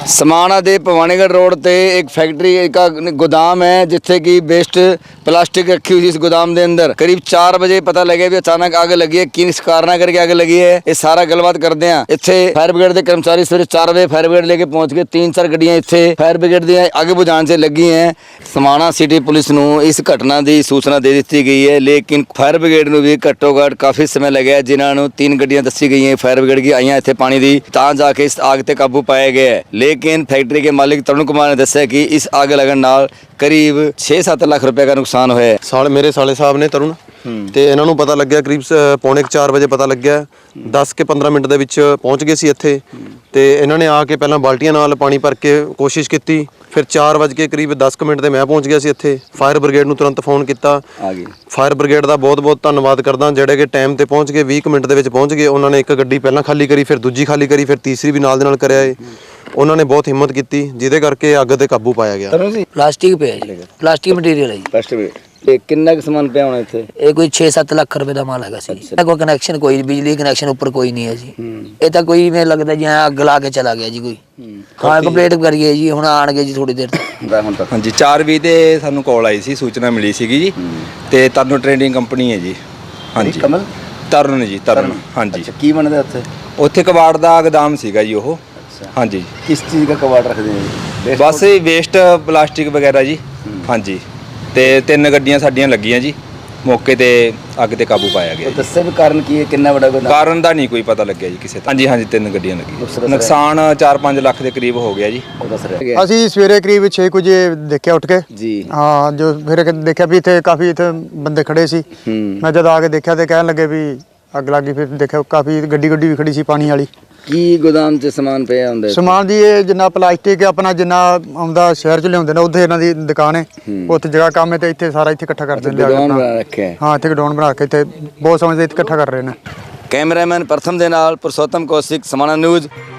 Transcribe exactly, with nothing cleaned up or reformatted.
समाना दे भवानीगढ़ रोड ते एक फैक्ट्री का गोदाम है जिथे की वेस्ट प्लास्टिक रखी हुई इस गोदाम के अंदर। करीब चार बजे पता लगे भी अचानक आग लगी है। किस कारण करके आग लगी है ये सारा गलबात करते हैं। इत्थे फायर ब्रिगेड के कर्मचारी सवेरे चार बजे फायर ब्रिगेड लेके पहुंच गए। तीन चार गड्डियां इत्थे फायर ब्रिगेड दी अग बुझाने से लगी हैं। समाना सिटी पुलिस नूं इस घटना की सूचना दे दी गई है, लेकिन फायर ब्रिगेड नूं भी घट्टो घट्ट काफ़ी समय लगे, जिन्होंने तीन गड्डियां दसी गई हैं फायर ब्रिगेड की आईयां इत्थे पानी दी, तां जाके इस आग ते काबू पाया गया है। लेकिन फैक्ट्री के मालिक तरुण कुमार ने दस्सिया कि इस आग लगन नाल करीब छे सत्त लाख रुपए का नुकसान होया है। साल मेरे साले साहब ने तरुण ਤੇ ਇਹਨਾਂ ਨੂੰ ਪਤਾ ਲੱਗਿਆ ਕਰੀਬ ਪੌਣੇ ਚਾਰ ਵਜੇ ਪਤਾ ਲੱਗਿਆ। ਦਸ ਕੇ ਪੰਦਰਾਂ ਮਿੰਟ ਦੇ ਵਿੱਚ ਪਹੁੰਚ ਗਏ ਸੀ ਇੱਥੇ ਤੇ ਇਹਨਾਂ ਨੇ ਆ ਕੇ ਪਹਿਲਾਂ ਬਾਲਟੀਆਂ ਨਾਲ ਪਾਣੀ ਭਰ ਕੇ ਕੋਸ਼ਿਸ਼ ਕੀਤੀ। ਫਿਰ ਚਾਰ ਵਜੇ ਕੇ ਕਰੀਬ ਦਸ ਕੁ ਮਿੰਟ ਤੇ ਮੈਂ ਪਹੁੰਚ ਗਿਆ ਸੀ ਇੱਥੇ। ਫਾਇਰ ਬ੍ਰਿਗੇਡ ਨੂੰ ਤੁਰੰਤ ਫੋਨ ਕੀਤਾ। ਫਾਇਰ ਬ੍ਰਿਗੇਡ ਦਾ ਬਹੁਤ ਬਹੁਤ ਧੰਨਵਾਦ ਕਰਦਾ, ਜਿਹੜੇ ਕਿ ਟਾਈਮ ਤੇ ਪਹੁੰਚ ਗਏ, ਵੀਹ ਕੁ ਮਿੰਟ ਦੇ ਵਿੱਚ ਪਹੁੰਚ ਗਏ। ਉਹਨਾਂ ਨੇ ਇੱਕ ਗੱਡੀ ਪਹਿਲਾਂ ਖਾਲੀ ਕਰੀ, ਫਿਰ ਦੂਜੀ ਖਾਲੀ ਕਰੀ, ਫਿਰ ਤੀਸਰੀ ਵੀ ਨਾਲ ਦੇ ਨਾਲ ਕਰਿਆ ਏ। ਉਹਨਾਂ ਨੇ ਬਹੁਤ ਹਿੰਮਤ ਕੀਤੀ, ਜਿਹਦੇ ਕਰਕੇ ਅੱਗ ਤੇ ਕਾਬੂ ਪਾਇਆ ਗਿਆ। प्लास्टिक पे है जी, प्लास्टिक मटीरियल है जी। प्लास्टिक किन्ना कुछ समान पिया होना इत्थे? ये कोई छे सत्त लाख रुपए का माल है सी। कोई कनैक्शन कोई बिजली कनैक्शन ऊपर कोई नहीं है जी। ये तो कोई मैं लगता जी अग ला के चला गया जी कोई। हाँ कंप्लेंट करिए जी, हुण आणगे जी थोड़ी देर तक। हाँ जी चार भी ते सानू कॉल आई सी, सूचना मिली सीगी जी। ते तरन ट्रेडिंग कंपनी है जी। हाँ जी कमल तरन जी तरन। हाँ जी की बनदा उत्थे? उत्थे कबाड़ दा गोदाम सीगा जी ओह। हाँ जी किस चीज़ का कबाड़ रखते हैं? बस वेस्ट प्लास्टिक वगैरह जी। हाँ जी ते तीन गड्डियां साडियां लगियां जी, मौके ते अग ते काबू पाया गया। दस्से भी कारण की है, कितना बड़ा गोदाम? कारण दा नहीं कोई पता लग्या जी किसे। हाँ जी हाँ जी तीन गड्डियां लगी, नुकसान चार पाँच लाख के करीब हो गया जी। ਅਸੀਂ ਸਵੇਰੇ ਕਰੀਬ ਛੇ ਕੁ ਵਜੇ ਦੇਖਿਆ ਉੱਠ ਕੇ जी ਹਾਂ, ਜੋ ਫਿਰ ਦੇਖਿਆ ਵੀ ਇੱਥੇ ਕਾਫੀ ਇੱਥੇ ਬੰਦੇ ਖੜੇ ਸੀ। ਮੈਂ ਜਦ ਆ ਕੇ ਦੇਖਿਆ ਤੇ ਕਹਿਣ ਲੱਗੇ ਵੀ ਅੱਗ ਲੱਗੀ। ਫਿਰ ਦੇਖਿਆ ਕਾਫੀ ਗੱਡੀ ਗੱਡੀ ਵੀ ਖੜੀ ਸੀ ਪਾਣੀ ਵਾਲੀ। ਕੀ ਗੋਦਾਮ 'ਚ ਸਮਾਨ ਪਿਆ ਹੁੰਦਾ? ਸਮਾਨ ਦੀ ਇਹ ਜਿੰਨਾ ਪਲਾਸਟਿਕ ਆਪਣਾ ਜਿੰਨਾ ਆਉਂਦਾ ਸ਼ਹਿਰ 'ਚ ਲਿਆਉਂਦੇ ਨੇ, ਉੱਥੇ ਇਹਨਾਂ ਦੀ ਦੁਕਾਨ ਹੈ, ਉੱਥੇ ਜਗ੍ਹਾ ਕੰਮ ਹੈ ਤੇ ਇੱਥੇ ਸਾਰਾ ਇੱਥੇ ਇਕੱਠਾ ਕਰਦੇ ਨੇ। ਗੋਦਾਮ ਬਣਾ ਰੱਖਿਆ ਹੈ। ਹਾਂ ਇੱਥੇ ਗਡਾਊਨ ਬਣਾ ਕੇ ਇੱਥੇ ਬਹੁਤ ਸਮਝਦੇ ਇੱਥੇ ਇਕੱਠਾ ਕਰ ਰਹੇ ਨੇ। ਕੈਮਰਾਮੈਨ ਪ੍ਰਥਮ ਦੇ ਨਾਲ ਪੁਰਸ਼ੋਤਮ ਕੌਸ਼ਿਕ, ਸਮਾਣਾ ਨਿਊਜ਼।